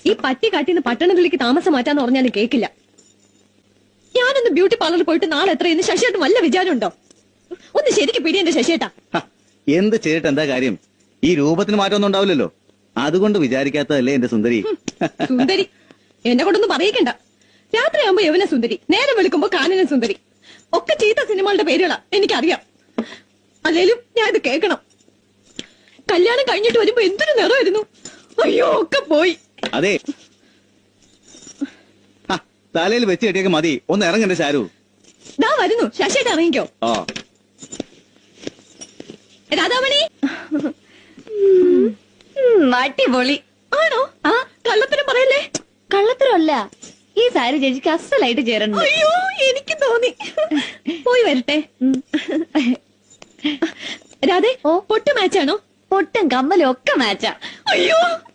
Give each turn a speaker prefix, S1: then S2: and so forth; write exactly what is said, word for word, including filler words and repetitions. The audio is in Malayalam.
S1: ഈ പട്ടി കാട്ടിന്ന് പട്ടണത്തിലേക്ക് താമസം മാറ്റാന്ന് പറഞ്ഞാലും കേക്കില്ല. ഞാനൊന്ന് ബ്യൂട്ടി പാർലറിൽ പോയിട്ട് നാളെ എത്രയെന്ന് ശശിയേട്ടൻ വല്ല വിചാരമുണ്ടോ? ഒന്ന് ശരിക്ക് പിടി എന്റെ ശശിയേട്ടാ.
S2: എന്ത് ചെയ്തിട്ട് എന്താ കാര്യം? ഈ രൂപത്തിന് മാറ്റമൊന്നും ഉണ്ടാവില്ലല്ലോ. അതുകൊണ്ട് വിചാരിക്കാത്തതല്ലേ എന്റെ സുന്ദരി.
S1: സുന്ദരി എന്നെ കൊണ്ടൊന്നും പറയിക്കണ്ട. രാത്രിയാകുമ്പോ യവന സുന്ദരി, നേരം വെളുക്കുമ്പോ കാനന സുന്ദരി, ഒക്കെ ചീത്ത സിനിമകളുടെ പേരുകളാ എനിക്കറിയാം. അല്ലേലും ഞാൻ ഇത് കേൾക്കണം. കല്യാണം കഴിഞ്ഞിട്ട് വരുമ്പോ എന്തൊരു നിറമായിരുന്നു. അയ്യോ ഒക്കെ പോയി.
S2: അതെ, തലയിൽ വെച്ച് കെട്ടിയൊക്കെ മതി. ഒന്ന് ഇറങ്ങണ്ടേ ശാരു?
S1: ദാ വരുന്നു. ശശിയേട്ട ഇറങ്ങിക്കോ.
S2: ഓ
S1: രാധാമണി.
S3: അടിപൊളി
S1: ആണോ? ആ കള്ളത്തരം പറയല്ലേ.
S3: കള്ളത്തരമല്ല, ഈ സാരി ചേച്ചിക്ക് അസലായിട്ട് ചേരണം.
S1: അയ്യോ എനിക്ക് തോന്നി. പോയി വരട്ടെ. രാധേ,
S3: ഓ
S1: പൊട്ട് മാച്ചാണോ?
S3: പൊട്ടും കമ്മലും ഒക്കെ മാച്ചാ.
S1: അയ്യോ